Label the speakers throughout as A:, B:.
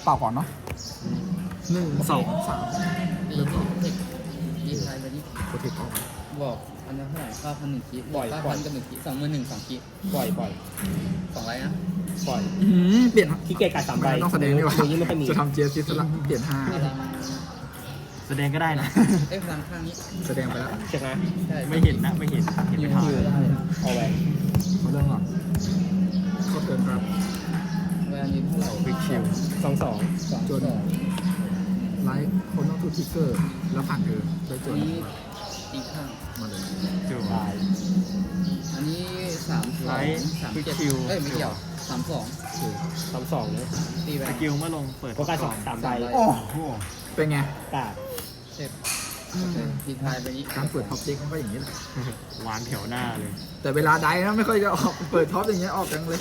A: เปล่าก่อนเนาะ1 2 3
B: เริ่มก่อนดีไทยไปนี่
A: โปรเทคออกมา
B: บอกอันนั้นเท่าไหร่9,001คิบ่อย9,000กับ1คิ21,000 2คิ
C: ปล่อย
B: 2ไรนะ
C: ปล่อย
A: เปลี่ยน
C: ขี้เกียจกัด3ใบ
A: ต้องแสดงดีกว่า
C: มือนี้ไม่ค่อยมี
A: จะทำเจสซิสละเปลี่ยน
B: พลัง
D: แสดงก็ได้นะ
B: พลังข้างนี้
A: 5แสดงไปแล้ว
C: ใช่ไหม
B: ใช่
D: ไม่เห็นนะไม่เห็นไม่ทัน
C: เอาแหวน
A: เขาเรื่องก่อนเขาเกินครับ
B: เวลานี้เท่าไหร่
D: วิกชิล
C: 2
A: จนไลท์คนต้องทูทิกเกอร์แล้วผ่านเธอได้จน
B: นี้ตีข้าง
A: มาเลย
D: จู
C: 2ตาย
B: อันนี้3
D: ไลท์
B: 3
D: วิก
B: 7
D: ชิล
B: เอ้ยไม่เกี่ยว32
C: 3-2เนี่ย
B: ตีไป
D: สกิลเมื่อลงเปิด
C: โฟกัส
D: ก่อน
C: 3ใบ
A: โอ้
D: โอ้โห
A: เป็นไง
C: กาด
B: เสร็จดีไทยไปนี้
A: การเปิดท็อปเด็กมันก็อย่างนี้แหละ
D: หวานแถวหน้าเลย
A: แต่เวลาไดนะไม่ค่อยจะออกเปิดท็อปอย่างเงี้ยออกจังเลย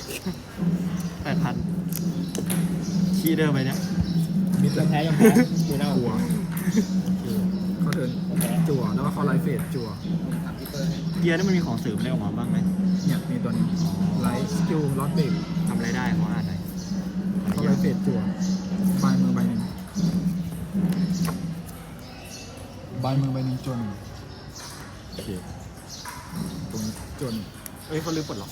D: 8,000คีย์เดิมไปเนี่ย
A: มิด
C: ยังแพ้ยังแพ้ดูหน้า
A: หัวเขาเทิร์น
C: แพ้
A: จั่วแล้วก็เขาไลฟ์เฟสจั่ว
B: ผมถามพี่เปิ้ลให้
D: เกียร์นี่มันมีของเสริมอะไรออกมาบ้างไหม
A: เนี่ยมีตัวนี้ไลฟ์สกิลล็อตเบรก
D: ทำอะไรได้ขออ่านหน่อย
A: เขาไลฟ์เฟสจั่วใบมือใบหนึ่งใบมือใบหนึ่งจนโอเคตรงนี้จน
D: เอ้ยเขาลืมปลดล็อก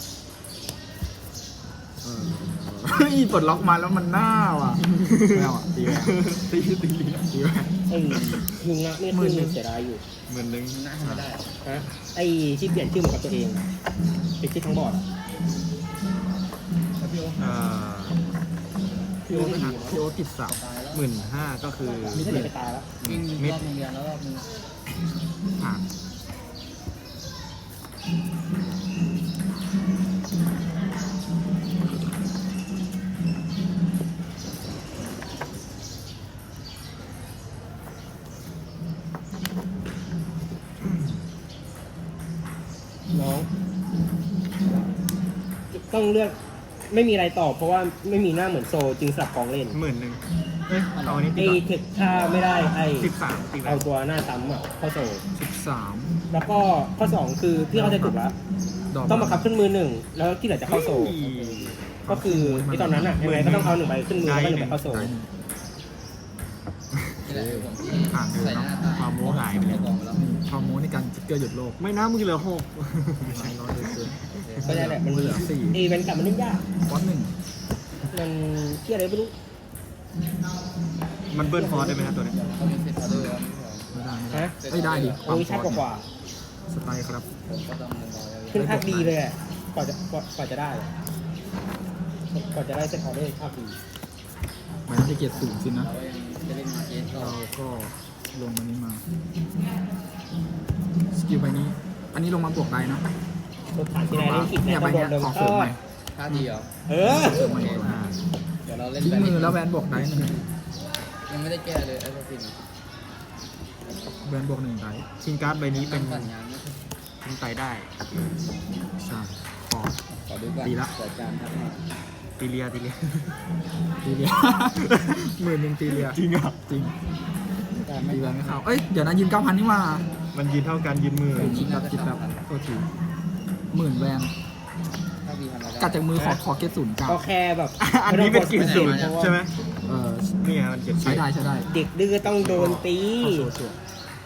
A: เฮ้ยปลดล็อกมาแล้วมันหน้าว่ะไม่เอาอ่ะตีไป
D: ตี
A: ตีไป
C: ยุงนะไม่ขึ้นเสียดายอยู่
D: เหมือนนึง
B: น่าทำไม่ได้
C: ฮะไอ้ที่เปลี่ยนชื่อเหมือนกับตัวเองเป็นชื่อทั้งบอร์ด
B: แล้วพี่โอ๊ค
A: พี่โอ๊ตนะพี่โอ๊ตติดสาว
B: ตายแล้ว
D: 15,000ก็คือ
C: มีเท่าไหร่ไปตายแล้ว
B: วิ่งรอบโรงเรียนแล้วรอบนึง
A: ผ่าน
C: น้องต้องเลือกไม่มีอะไรตอบเพราะว่าไม่มีหน้าเหมือนโซจึงสลับกองเล่น
D: 10,000เอ้ยเอาอันนี้ตี
C: ไอ้
D: ก่อน
C: เทคถ้าไม่ได้ไอ้
D: 13ตีไป
C: เอาตัวหน้าซ้ำอ่ะเข้าโซ
A: 13
C: แล้วก็ข้อ 2 คือพี่เข้าใจถูกแล้ว
A: ดอก
C: ต้องบังคับขึ้นมือ1แล้วที่เหลือจะเข้าโซ ก็คือไอ้ตอนนั้นอ่ะยังไงก็ต้องเอา1ใบขึ้นมือแล้วก็1ใบเข้าโซ
B: นี่แหละผมที่ใส่หน้าตา
D: ความโมหายไปเลย
B: กองแล้ว
A: ฮอร์โมนในการจิกเกอร์หยุดโลก
D: ไม่นะมึงเหลือ6
A: ไม่ร้อยเลยเกิน
C: ก็ได้แหละมัน
A: เหลือ4
C: ไอ้แวนกลับมันเล่นยาก
A: ฟอนต์หนึ่ง
C: มันเที่ยอะไรไม่รู้
D: มันเบิร์นฟอร์สได้ไหมนะตัวนี้
B: เขามีเซตออเดอร์แล้ว
A: ไม่ได้
C: ฮะ
A: ไม่ได้ดิ
C: โอ้ยชัดกว่า
A: สไตล์ครับ
B: ผมก็ต้องเงินรอแล้ว
C: ขึ้นภาคดีเลยอะกว่าจะได้กว่าจะได้เซตออเดอร์ภาคดี
A: มันจะเกียรติสูงสินะ
B: เรายังจะเล่นมาเกสก็
A: เราก็ลงอันนี้มาสกิลใบนี้ อันนี้ลงมาบวกได้นะ
C: ตัวผ่านที่ไหนเล่นผิด
A: เนี่ยใบเนี้ย
C: โดน
A: ของเสริมใหม่
B: ท่าดีเหรอ
C: เออ
A: เสริมใหม่ตัวหน้า
B: เดี๋ยวเราเล่น
A: ทิ้งมือแล้วแวนบวกได้หนึ่ง
B: ยังไม่ได้แก้เลยไอ้พวกฟิน
A: แวนบวกหนึ่งได้
D: ชิงการ์ดใบนี้เป็น
B: ปั่นงานไม่ใช่
D: ชิงไตได้
A: ใช่พอ
B: ขอดูก่อน
A: ดีละ
B: เปิดการทักมา
D: ตีเลีย
A: ตีเลีย 10,000ตีเลีย
D: จริงอ่ะ
A: จริง
B: การไม่
A: ตีแวนไม่เข้าเอ้ยเดี๋ยวนะยืน 9,000นี่มา
D: มันยืนเท่ากันยืนมือ
A: คิดแบบโทษที10,000แวน
B: ถ้าดีทำอะไร
A: กัดจากมือขอเกตศูนย์เก้า
C: ก็แค่แบบ
D: อันนี้เป็นกินสูตรใช่ไหม
A: เออ
D: นี่ไงมันเขียน
A: ใช้ได้ใช้ได้
C: เด็กดื้อต้องโดนตี
A: เอาชัวร์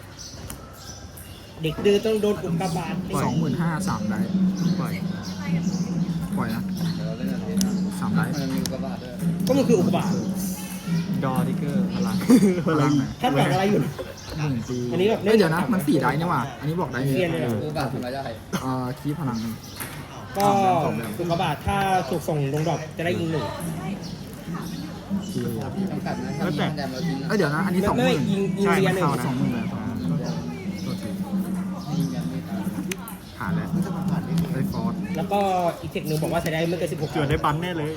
C: เด็กดื้อต้องโดนอุกกาบาตตี
A: 25,000 3ได้
D: ปล่อย
A: ปล่อยนะ
B: เดี๋ยวเราเล่นอะไรนะ
A: 3ได้
B: มันมีกระบาดด้วย
C: ก็มันคืออุกกาบาต
D: ดอทิกเกอร์พลัง
A: พลังไหน
C: ถ้าแต่งอะไรอยู่
A: 1 ปี
C: อันนี้แบบ
A: เอ้ยเดี๋ยวนะมัน4ได้นี่หว่าอันนี้บอกได้
C: เซียนเลยเหรอ
B: กระบาดทำอะไรได้
A: คีพลัง
C: ก็อุกกาบาตถ้าถูกส่งลงดอกจะได้ยิงหนึ่ง
A: คี
B: จำกัดนะถ้ามีแดมเราทิ้งนะ
A: เอ้ยเดี๋ยวนะอันนี้
C: ไม่
A: 20,000
C: ยิงเรียนหนึ่ง
A: 20,000แล้วโทษที
B: ยิงยังไม่ตาย
A: ผ่านแล้วได้ฟอร์ส
C: แล้วก็อีกเทคหนึ่งบอกว่าใช้ได้ไม่เกิน16
D: เกิดได้บันแน่เลย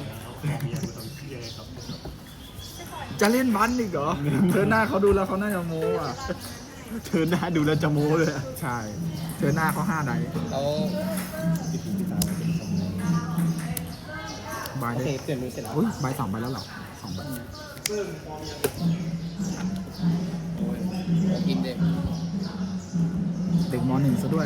A: จะเล่นบันอีกเหรอเธอหน้าเขาดูแล้วเขาน่าจะโม้อ่ะ
D: เธอหน้าดูแล้วจะโม้เลยอะ
A: ใช่เธอหน้าเขา5ได้
B: แล้ว
A: บาย
C: โอ
A: ได้
C: เคเปลี่ยนมือเสร็จแล้ว
A: อุ้ยใบ2ใบแล้วเหรอ2ใบ
B: โอ้ยกินเด็ก
A: เด็กม .1 ซะด้วย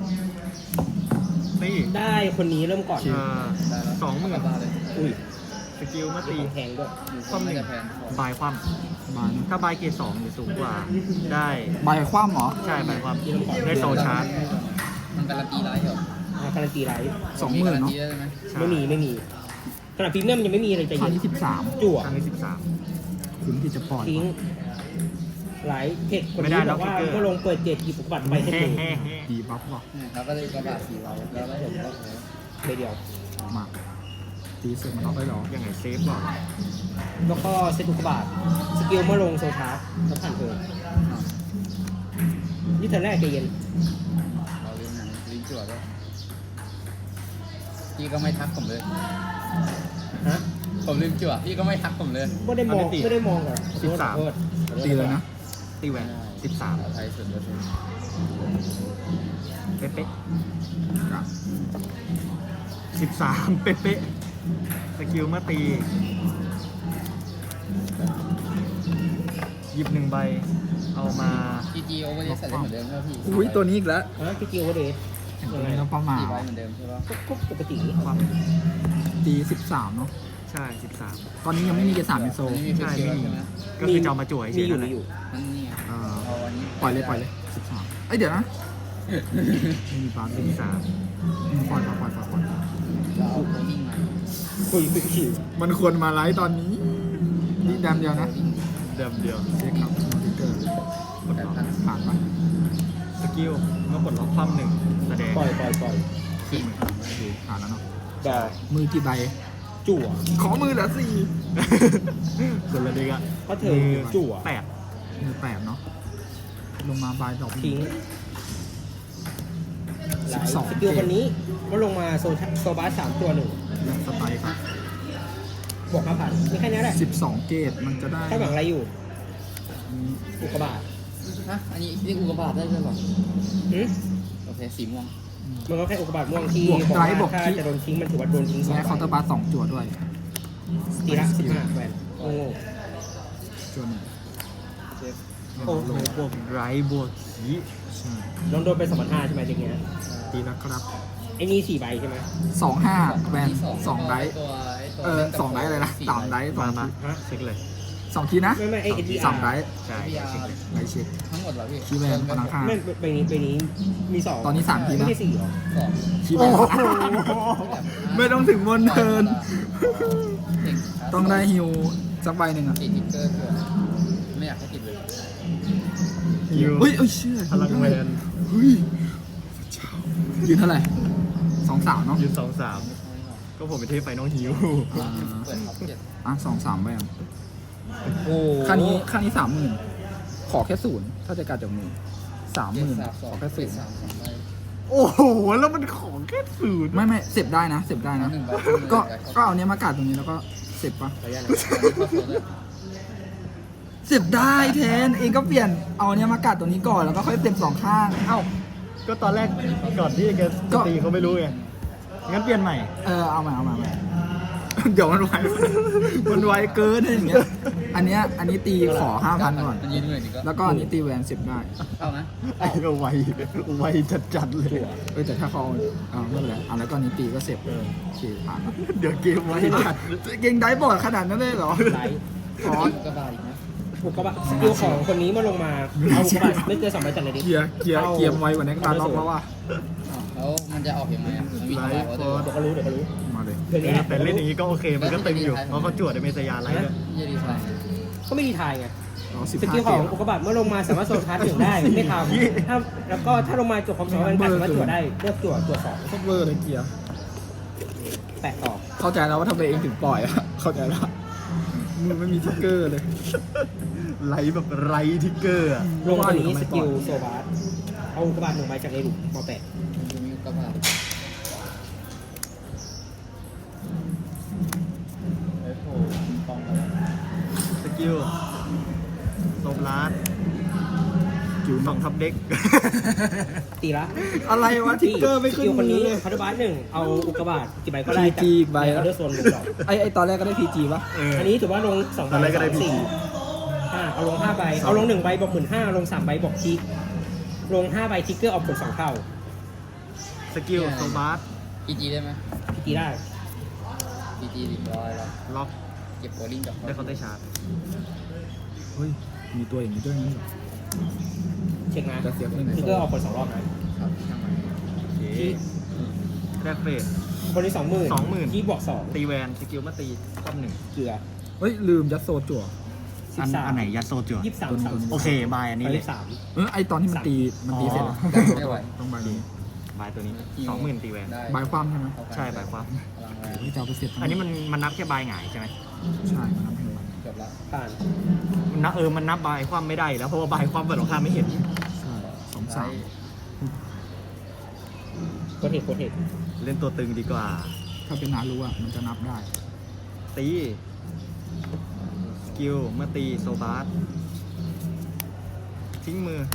D: นี่
C: ได้คนนี้เริ่มก่อน
A: คิว
B: ได้แล้ว
D: 20,000
B: กระบาดเลย
C: อุ้ย
D: สกิลเมื่อ
C: ตี
D: ตี
C: แทงด้วย
D: ความหนึ่ง
B: จะแพง
D: บายความ
A: บาย
D: ถ้าบายเกรด2หรือสูงกว่า ได้
A: บายคว่ำเหรอ
D: ใช่บายความได้โซชาร์จ
B: มันการันตีไลท์เหรอ
C: การันตีไร
A: 20,000 เนาะ
B: ได้ไหม
D: ใช่
C: ไม่มีขนาดพรีเมียมยังไม่มีอะไรใจ
A: ครั้
C: เย็
A: ง
C: น
A: ที่13
C: จั่ว
D: ครั้งที่13
A: คุ้มที่จะปล่อย
C: ทิ้งไหลเทคคน
D: ไม่ได้
C: นี้
D: แล้
C: บ
D: ว
C: อกว่า
D: คิกเกอร์
C: ก็ลงเปิดเจ็ดหยิบอุปบัตรไปให้ดู
A: ดีบัฟว่ะ
B: เนี่ยครับก็เลยกระบะ4เราแล้วผมก็โอ้
C: เดียว
A: มาตีเสร็จมันล็อกได้เหรอ
D: ยังไงเซฟบอก
C: แล้วก็เซตอุปบัตรสกิลเมื่อลงโซชาร์จแล้วผ่านเทิร์นนี่เทิร์นแรกใจเย็น
B: เราเรียนหนังลิ้นจั่วด้วยพี่ก็ไม่ทักผมเลย
C: ฮะ
B: ผมลืมจั่วพี่ก็ไม่ทักผมเลย
C: ไม่ได้มองก่อนขอโทษ
A: ตีเลยนะ
D: ตีแหวน
B: ไทยสุดเลย
D: 13 เป๊ะ
A: กับ
D: ๆ13 เป๊ะๆสกิลเมื่อตี หยิบ1 ใบ เอามา
B: จีจีโอเวอร์เดสใส่ได้เหมือนเดิมใช่ไหมพี่
A: อุ้ยตัวนี้อีกแล้ว
C: ฮะสกิลว่าเดท
A: ตัวนี้เราประมาณ
B: 4ใบเหมือนเดิมใช่ปะ
C: ก็ปกติ
D: ความ
A: ตี13เนาะ
D: ใช่ 13
A: ตอนนี้ยังไม่มีเกรด3เป็นโซ
B: อันนี้มี
D: ใช่
B: ฟิกเกอ
D: ไม่
B: ร์
D: มี
B: ใช่ไหม
D: ก็คือจะเอามาจั่ว
C: มี
D: เฉย
C: อ
D: ๆ
C: ยู่
D: นั่นแหละ
C: มีอยู่
B: นั่นนี่ไง
A: เอ่อ
B: เอาอันนี้
A: ปล่อยเลย13เอ้ยเดี๋ยวนะไม่มีบาร์
D: 13
A: ปล่อย
B: เราเอาโคนิ่งมา
C: คุยคิว
A: มันควรมาไลฟ์ตอนนี้นี่แดมเดียวนะ
D: เดิมเดียว
A: เช็คครับมอนิเตอร์
D: กดล็อก
A: ผ่านปะ
D: สกิลก็กดล็อกความ1แสดง
C: ปล่อย
B: ขี้
A: โอเคผ่านแล้วเนาะ
C: ดอก
A: มือกี่ใบ
C: จั่ว
A: ขอมือเหลือ4
D: ส่วนละเด็กอะ
C: เพราะเธอจั่ว
D: 8
A: มือ8เนาะลงมาบายดอก
C: ทิ้งไหลสกิลคนนี้ก็ลงมาโซบาส3ตัว
A: ยังสไตล์ครับ
C: 1บวก5,000นี่แค่นี้แหละ
A: 12 เกตมันจะได้
C: ถ้าหวังอะไรอยู่ อุกกาบาต
B: ฮะอันนี้เรียกอุกกาบาตได้ใช่ปะ
C: หืม
B: โอเคสีม่วง
C: มันก็แค่อุกกาบาตม่วงที่บอกว่าถ้าจะโดนทิ้งมันถือว่าโดนทิ้งสอง
A: และเคาน์เตอร์บาร์2จั่วด้วย
C: ตีละ15แหวนโง่
A: จั่วหนึ่ง
D: โอ้โหบวกไรบวกขี
A: ใช่
C: ลองโดนไป2,500ใช่ไหมอย่างเงี้ย
A: ตีแล้วครับ
C: ไอ้นี่4ใบใช่ไหม
A: 25แวน
B: ที่
A: 2ไดฟ์
B: ตัว
A: 2ไดฟ์อะไรนะ3ไดฟ์
D: มา
C: ฮะ
D: เช็คเลย
A: 2ทีนะ
C: ไม่ไอ้ SDR
A: 3ไดฟ์
D: ใช่เช็คเลย
A: ไดฟ์เช็ค
B: ทั้งหมดเหรอพี่
A: คีย์แวนพลังค่า
C: ไม่ใบนี้มี2
A: ตอนนี้3ที
C: ไม่
A: นะ
C: ใช่4หรอ
B: สอง
A: คีย์แวนไม่ต้องถึงบนเทิร์นต้องได้ฮิวสักใบหนึ่งอ่ะ
B: ติดทิกเกอร์ด้วยไม่อยากให้ติดเลย
D: ฮิว
A: เฮ้ยเชื่อ
D: พลังแวน
A: เฮ้ยยืนเท่าไหร่2-3เนาะ
D: ยืน2-3 ก็ผมไปเทพไฟน้องฮิว
A: อ่า
B: เปิดท็อปเจ็ด
A: 2-3ไปอ่ะ
C: โอ้
A: ค่านี้30,000ขอแค่0ถ้าจะการจากมือ30,000ขอแค่
B: เจ็ด
A: 0
B: สามสองใบ
D: โอ้โห แล้วมันของแค่ศูนย์
A: ไม่เสพได้นะเสพได้นะ
B: หนึ่งใบ
A: ก็เอาเนี้ยมากัดตรงนี้แล้วก็เสพปะ
C: ขออนุญาตนะ
B: เข้าโซนเลย
A: เสพได้แทนเองก็เปลี่ยนเอาเนี้ยมากัดตรงนี้ก่อนแล้วก็ค่อยเสพ2ข้าง
D: เอ้า ก็ตอนแรกก่อนที่แก
A: ก็
D: ตีเขาไม่รู้ไง งั้นเปลี่ยนใหม่
A: เอามาเดี๋ยวมันไวเกินอย่างเงี้ยอันนี้ตีขอ 5,000 ก่อน
B: มันยืนเหนื่อยดีก็
A: แล้วก็อันนี้ตีแหวนเสพได้
B: เอานะ
D: ไอ้ก็ไวจัดๆเลย
A: แต่ถ้าเขาไม่เป็นไรแล้วก็อันนี้ตีก็เสพ
D: เออ
A: โอเคผ่านละ
D: เดี๋ยวเกมไว้จัด
A: เก่งได้บอดขนาดนั้นเลยเหรอ
C: ไลท์
A: ขอ
B: กระบาดอีกนะ
C: อุกกาบาตสกิลของคนนี้มาลงมาเอาอุกกาบาตไม่เกิน2ใบจัดเลยดิ
A: เกียร์ไวกว่านี้การล็อกแล้วว่ะ
B: แล้วมันจะออกยังไงมันมี
D: ไล
B: ทำลาย
D: ฟ์
B: ออ
D: ฟ
B: เด
D: อ
B: อ
D: ร์
B: ร์
C: เดี๋ยวก็รู้
A: มาเลย
C: เดี๋ยวนี้
D: แต่เล่นอย่างนี้ก็โอเค มันก็ตึงอยู่ เพราะเขาจวดในเมสยาไลฟ์ด้วย
B: ยี่ดีไซน์
C: ก็ไม่ดีทายไง
A: 15
C: สกิลของอุกกาบาตเมื่อลงมาสามารถโซลชาร์จ1ได้ไม่ทำถ้าแล้วก็ถ้าลงมาจบความสามารถการสามารถจั่วได้เลือกจั่ว2
A: โคตรเวอร์เลยเกียร์
C: แตะต่อ
A: เข้าใจแล้วว่าทำไมเองถึงปล่อยอะเข้าใจแล้วมือไม่มีทิกเกอร์เลย
D: ไลฟ์แบบไรทิกเกอร์อะ
C: ลงตัวนี้สกิลโซบาสเอาอุกกาบาต1ใบจากในหลุมมาแปะ
B: มันจะมีกระบาดไอ้โผล่กองอะไร
D: สกิลโซมลาร์ด
A: จิ๋ว
D: ฝั่งทับเด็ก
C: ตีละ
A: อะไรวะทิกเกอร์ไม่ขึ้น
C: สกิลคน
A: มือ
C: นี้
A: เลย
C: พัตบาส1เอาอุกกาบาตกี่ใบก็ได้
A: PG อีกใบ
C: อ
A: แล้ว
C: อเดอร์โซน1ดอก
A: ไอตอนแรกก็ได้พีจีปะ
C: อันนี้ถือว่าลง2ใบ
D: ตอนแรกก็ได้
C: 2
D: PG
C: 4เอาลง5ใบเอาลง1ใบบอก15,000ลง3ใบบอกทิกลง5ใบทิกเกอร์ออกผล2เท่า
D: สกิลโซบาร์
B: PG ได้ไหม
C: ตีได้
B: จีจี100แล้ว
D: ล็อก
B: เก็บโบลิ่งกับ
D: ได้เคาน์เตอร์ชาร์จ
A: เฮ้ยมีตัวอย่างนี้ด้วยงั้นเหรอ
C: เช็คนะ
A: จะเสียที่ไหน
C: คือก็ออกคน2 รอบนะครับ
B: ช่างมัน
D: โอเคแรกเฟส
C: คนที่20,000
D: 20,000
C: ที่บวก2
D: ตีแวนสกิลมาตีความหนึ่ง
C: เกลือ
A: เฮ้ยลืมยัดโซจั่ว
C: 13
D: อันไหนยัดโซจั่ว
C: 23
A: ตัวนี้
D: โอเคบายอันนี้เลย
C: 33
A: ไอตอนที่มันตีเสร็จแล้ว
B: ไม่ไหว
A: ต้องใบนี้
D: บายตัวนี้ 20,000 ตีแวน
B: ได้
A: ใบความใช่ไหม
D: ใช่บายความ
B: พลังแรง
A: ที่จะเอาไปเสร็จ
D: อันนี้มันนับแค่บายหงายใช่ไหม
A: ใช่มันทำให้วัน
B: เกือบละ
C: ผ่าน
D: มันนับมันนับบายความไม่ได้อยู่แล้วเพราะว่าบายความเปิดของข้าไม่เห็น
A: ใช่2-3
C: โคเทคโคเทค
D: เล่นตัวตึงดีกว่า
A: ถ้าเป็นนารู้อ่ะมันจะนับได้
D: ตีสกิลเมื่อตีโซบาสทิ้งมือ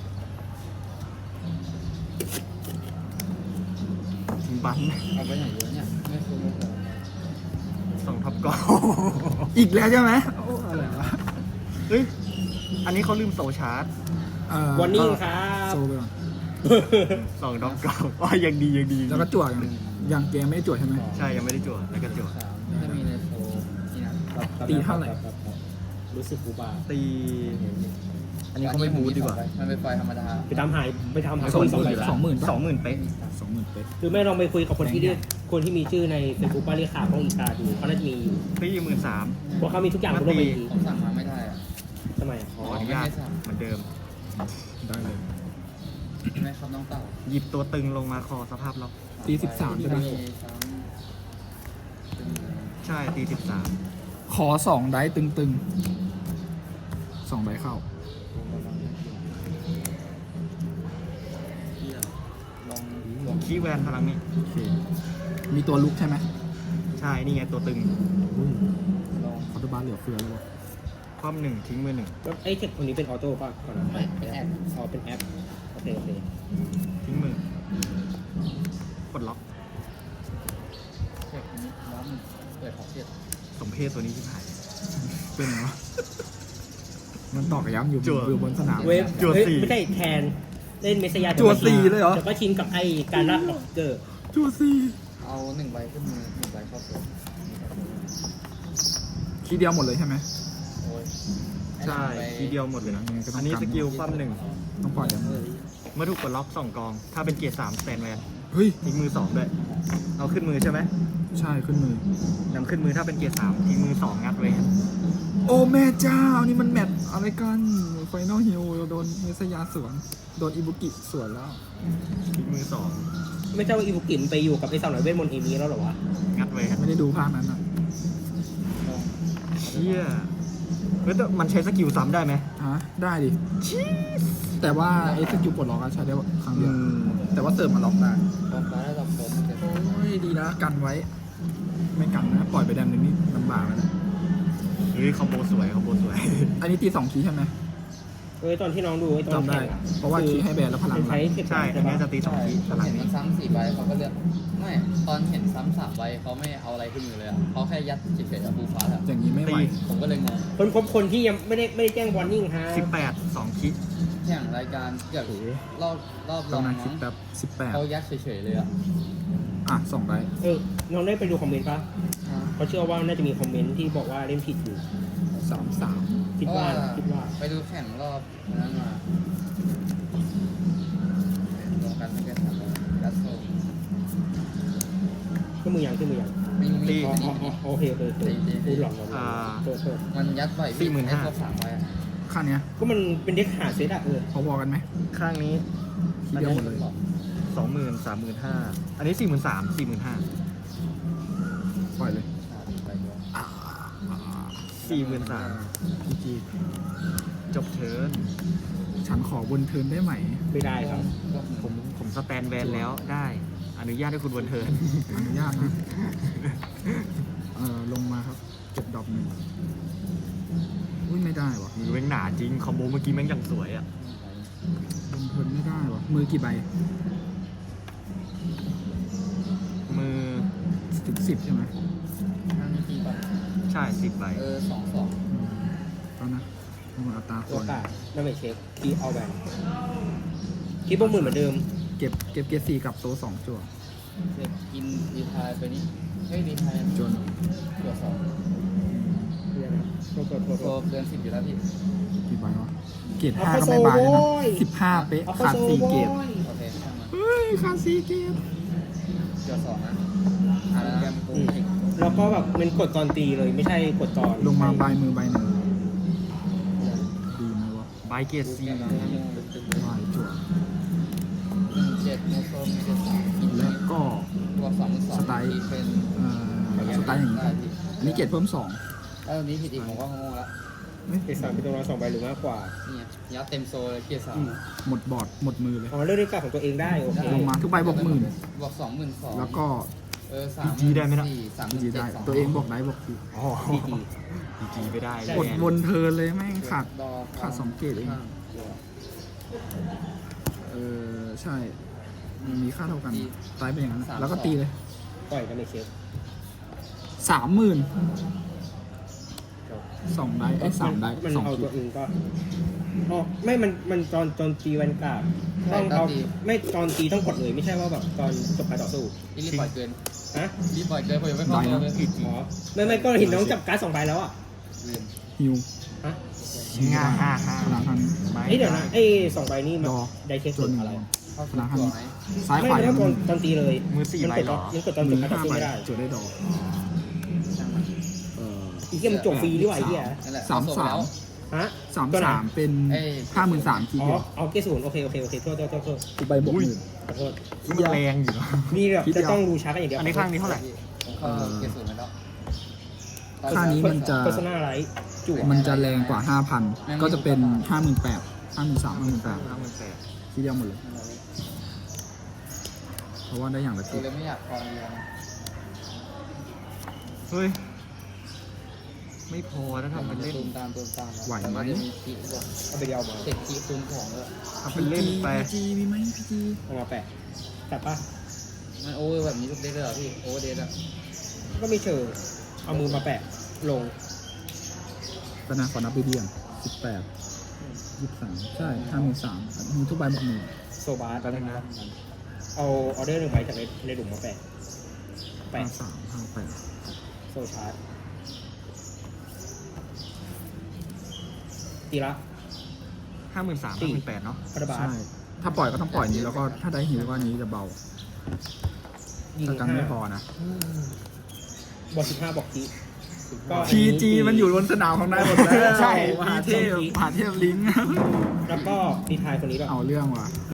D: ทิ้งบัน
B: เอาไปไหนเยอะเนี่ยไม่คุ้มไม่คุ้ม
D: ส่งท็อปกอล
A: อีกแล้วใช่ไหมโอ้อะไรวะ
D: เฮ้ย อันนี้เขาลืมโซชาร์จ
C: วันนี้ครับ
A: โซไปก่อน
D: ส่งท็อปกอลอ๋อยังดียังดี
A: แล้วก็จั่วยังเกมไม่ได้จั่วใช่ไหม
D: ใช่ยังไม่ได้จั่วแล้วก็จั่ว
B: 3ถ้ามีในโซนี่นะ
A: ตีเท่าไหร่
C: รู้สึกกูบ้า
D: ตี อันนี้เขาไม่บูทดีกว่า
B: มันเป็นไฟธรรมดา
C: ไปตามหาคน 2 ใบ
A: 20,000
D: 20,000เป๊ะ
A: 20,000เป๊ะ
C: คือไม่ลองไปคุยกับคนที่เรียกคนที่มีชื่อในเฟซบุ๊กว่าเรียกข่าวของอีกาดูเขาน่าจะมีอยู่
D: ตี13,000
C: เพราะเขามีทุกอย่างบนโลกใบนี้
B: ผมสั่งมาไม่ได้อะ
C: ทำไมอะ
D: ขออนุญาตเหมือนเดิม
A: ได้เลย
B: ไม่ครับน้องเต่า
D: หยิบตัวตึงลงมาคอสภาพล็อก
A: ตี13ใช่ไหม
D: ใช่ตี13
A: ขอ2ได้ตึงๆ2ใบเข้า
B: ลอง
D: คีย์แวนพลังนี้
A: โอเค มีตัวลุกใช่ไหม
D: ใช่ นี่ไงตัวตึง
B: ลอง
A: คอร์ตบาร์เหลือเฟือแล้ววะ
D: ความหนึ่งทิ้งมือหนึ่ง
C: แล้วไอ้เทคคนนี้เป็นออโต้ป่ะก่อนนะ
B: เป็นแอป
C: อ๋อเป็นแอปโอเคโอเค
D: ทิ้งมือ กดล็อก
B: เช็คนี้ร้อนเปิดท็อปเจ็ด
D: สมเพศตัวนี้ที่หาย
A: เป็นไงวะมันตอกย้ำอยู่
D: จั่ว
A: อยู่บนสนาม
C: เว็บ
D: จั่ว
C: เฮ้ย
D: สี่
C: ไม่ใช่แทนเล่นเมสยา
A: จั่วสี่เลยเหรอ
C: แต่ก็ชินกับไอ้การรับออกเกอร์
A: จั่วซี่
B: เอา1 ใบขึ้นมือ1 ใบเข้าโซน
A: คีย์เดียวหมดเลยใช่ไหม
B: โอ้ย
D: ใช่ทีเดียวหมดเลยนะ
A: ยังไงก็ต้อง
D: อันนี้
A: กัน
D: สกิลความหนึ่ง
A: ต้องปล่อยยัง
D: เมื่อถูกกดล็อก2กอง ถ้าเป็นเกียร์3สแตนแวน
A: เฮ้ย
D: ทิ้งมือ2ด้วย เอาขึ้นมือใช่ไหม
A: ใช่ขึ้นมือน
D: ำขึ้นมือถ้าเป็นเกียร์3ทิ้งมือ2งัดไว้
A: โอ้แม่เจ้า นี่มันแมตช์อะไรกันไฟนอลฮิลโดนเมสยาสวน โดนอิบุกิสวนแล้ว
D: ทิ้งมือ
C: ไม่ใช่ว่าอีบุกิมไปอยู่กับไอ้สาวหน่อยเวทมนต์เอมี่แล้วเหรอวะ
D: 2งัดไว้
A: ไม่ได้ดูภาคนั้นอ่ะ
B: ลอง
D: เชี่ยเฮ้ยแต่มันใช้สกิลซ้ำได้ไหม
A: ฮะ ได้ดิ แต่ว่าไอ้สกิลปลดล็อกอะใช้ได้ครั้งเดียว แต่ว่าเสริมมาล็อกได้
B: ลองมาแล้วลองโซนเสร็จ
A: โอ้ยดีนะกันไว้ ไม่กันนะ ปล่อยไปแดมนึงนี่ลำบากแล้วนะ
D: เฮ้ยคอมโบสวยคอมโบสวย
A: อันนี้ตี2คีย์ใช่ไหม
C: เอ้ยตอนที่น้องดูไอ้ตอน
A: จำได้
C: แข่งอะ
A: เพราะว่าคีย์ให้แบนแล้วพลัง
C: ใช้เทค
D: ใช่ อันนี้จะตี
B: ใช่
D: 2ที
B: ผม
D: พลัง
B: เห็น
D: นี้
B: มันซ้ำ4 ใบเขาก็เลือกไม่ตอนเห็นซ้ำ3 ใบเขาไม่เอาอะไรขึ้นมือเลยอ่ะเขาแค่ยัดจิตเฟสกับบูฟ้าอะ
A: อย่างนี้ไม่ไหว
B: ผมก็เลยงง
C: คนที่ยังไม่ได้แจ้งวอร์นิ่งฮะ
D: 18 2คิด
B: แข่งรายการเกือบรอบล
A: ต
B: อ
A: อน
B: ง
A: นั้นคิ
B: มั้
A: ด
B: ง
A: แบบ
B: เขายัดเฉยๆเลยอ่ะ
A: 18 อ่ะ2ได้
C: น้องได้ไปดูคอมเมนต์ปะเขาเชื่อว่าน่าจะมีคอมเมนต์ที่บอกว่าเล่นผิดอยู่
A: 3-3
C: คิดว่า
B: ไปดูแข่งรอบนั้นมาลงกันไม่เกิน3 ใบยัดโซน
C: ขึ้นมือยังขึ้นมือยัง
B: มี
C: อ๋ออ๋ออ๋อโอเคโอเคพูดหลอกเราโทษ
B: มันยัดบ่อยพี่ให้ครบ3 ใบอ่ะ
A: ข้างเนี้ย
C: ก็มันเป็นเด็กหาเซตอะ
A: พอๆกันไหม
D: ข้างนี้
A: คีย์เดียวหมดเลย
D: 20,000 35,000อันนี้ 43,000 45,000
A: ปล่อยเลย
B: ใบเดียว
D: 43,000
A: พีจี
D: จบเทิร์น
A: ฉันขอบนเทิร์นได้ไหม
C: ไม่ได้ครับ
D: ผมสแตนแวนแล้วได้ อนุญาตให้คุณบนเทิร์น
A: อนุญาตนะ ลงมาครับเก็บดอกหนึ่งอุ้ยไม่ได้วะ
D: มือแม่งหนาจริง คอมโบเมื่อกี้แม่งอย่างสวยอ่ะ
A: บนเทิร์นไม่ได้วะมือกี่ใบ
D: มือ
A: ถึง10ใช่ไหม
B: นั่นทีก่อน
D: ใช่10 ใบ
B: 2
A: ตอนนะต้องอัตราค
C: โอน กาสนั่นไม่เช็คคีเอาแบนคีบวกหมื่นเหมือนเดิม
A: เก็บเกียร์4กับโต๊ะ2จั่ว
B: เสร็จกินดีทายไปนี้เฮ้ยดีทาย
A: จน
B: ตัวสอง
C: เดี๋ยวนะโทษ
B: โซเกิน10อยู่แล้วพี่
A: กี่ใบวะเกรด5ก็ไม่บายเลยนะ15 เป๊ะ
C: เอาไป
A: ขาด
C: โซ่
A: 4 เกรด
C: โว้ย
B: โอเคช่างมัน
A: เฮ้ยขาด4 เกรด
B: ตัวสองนะอ่าแล้วนะกูอีก
C: แล้วก็แบบมันกดตอนตีเลยไม่ใช่กดตอน
A: ลงมาใบมือใบหนึ่งดีไหมวะ
D: ใบเกตซี
A: ใบจั่ว
B: 17โนโซมี73กิน
A: แล้วก็
B: ตัว2
A: สไตล์
B: ที่เป็น
A: สไตล์อย่างนี้
B: ได้พี่
A: อันนี้เกรดเพิ่ม
B: ถ้าตอนนี้ผิดอีกผมก็งงละ
C: เกรด3เป็นตัวละ2 ใบหรือมากกว่า
B: เนี่ยยัดเต็มโซเลยเกียร์สาม
A: หมดบอร์ดหมดมือเลย
C: อ๋อเลือกได้กับของตัวเองได้โอเค
A: ลงมาทุกใบบวกหมื่น
B: บวก22,000
A: แล้วก็
B: 3 ได้ไหมล่ะ
A: ดีได้ตัวเองบอกได้บอกที
D: อ๋อดีจีไม่ได้
A: กดวนเทิร์นเลยแม่งขาด2 เกรดเองใช่มันมีค่าเท่ากันตายเป็นอย่างนั้นแล้วก็ตีเลย
C: ปล่อยกันในเช็ค
A: 30,000 2 ได้3 ได้
C: มันเอา
A: 2
C: ตัวอื่นก็อ๋อไม่มันตอนตีแวนการ์ดต้องเอาไม่ตอนตีต้องกดเลยไม่ใช่ว่าแบบตอนจบการต่อสู้
B: ที่รีบปล่อยเกิน
C: ฮะ
B: รีบปล่อยเกินผมยังไม่พอเลย
C: อ๋อไม่ก็เห็นน้องจับการ์ด2 ใบแล้วอ่ะ
B: ลืม
A: ฮิว
C: ฮะ
D: ง่าห้าห้า
A: พลังทัน
C: เดี๋ยวนะ2 ใบนี่มัน
A: ดอ
C: ได้เช็ค
A: ตัวหนึ่ง
C: อะไร
B: เข้าสู่ตัวไหม
A: ซ้าย
C: ไม่
A: ขวา
C: ไม่ตอนตีเลย
D: มือ4ใบเหรอ
C: ยังกดตอนจ
A: มื
C: บ
A: อ
C: การต่อ
A: 5
C: สู้
A: ใบ
C: ไม่ได้
A: จดได้ดอก
B: ช่างมัน
C: อีกที่มันจบฟรีด้วยไอ้เหี้ย
B: นั่นแหละ
A: 33
B: แล้ว
C: ฮะ
A: 33 เป็น 53,000 ที
C: อ๋อ
A: เดียว
C: เอาเกสูนโอเคโทษ
A: ทุกใบบวกหมื่น
C: ขอโทษ
D: มันแรงอยู่เนอะ
C: นี่แบบ
A: คิดเดี
C: จะ
A: ยว
C: ต้องดูช้ากันอย่างเดียว
D: อันนี้ข้างนี้เท่าไหร่
B: ผมเข้าเกียร์ศูนย์ไปแล้ว
A: ค่านี้มันจะ
C: โฆษณาอะไรจั่ว
A: มันจะแรงกว่า 5,000 ก็จะเป็น 58,000 53,000 58,000 ทีเดียวหมดเลย เพราะว่าได้อย่างละ
B: ตั
A: ที
B: วเลยไม่อยากคอนเดียวนะ
D: เฮ้ย ไม่พอถ้าทำเป็นเล่น
B: ตูมตามแล้ว
A: ไหวไหม
B: แต่นจะมีคีด้วย
C: เอาไปเดียวมา
B: เสร็จคีคูณของด้วย
D: ทำเป็นเล่นไป
A: พีจีมีไหมพีจี
C: เอามาแปะแต่ป่ะ
B: มันโอเวอร์แบบนี้ทุกเดทเลยเหรอพี่โอเวอร์เดทอะ
C: ก็ไม่เชิงเอามือมาแปะลง
A: ตนาขอนับไปเดียง18 23 ใช่ 53,000มีทุกใบบวกหมื่น
C: โซบาร์กันนะเอาออเดอร์1 ใบจากในหลุมมาแปะ
A: 53 58
C: โซชาร์จตีละ
D: 53,000 58,000เนาะ
C: คาราบา
A: ใช่
C: ส
A: ถ้าปล่อยก็ต้องปล่อยนี้แล้วก็ถ้าได้หิวก็อันนี้จะเบา
C: ยิง
A: ถ้ากันไม่พอ
C: 5
A: นะ
C: บวก15บอกทีก็อัน
A: พี
C: นี้
A: จีมันอยู่บนสนามของนายหมดแล้ว
C: ใช่
A: มหาเทพลิงก์
C: แล้วก็ดีทายคนนี้แบบ
A: เอาเรื่องว่ะ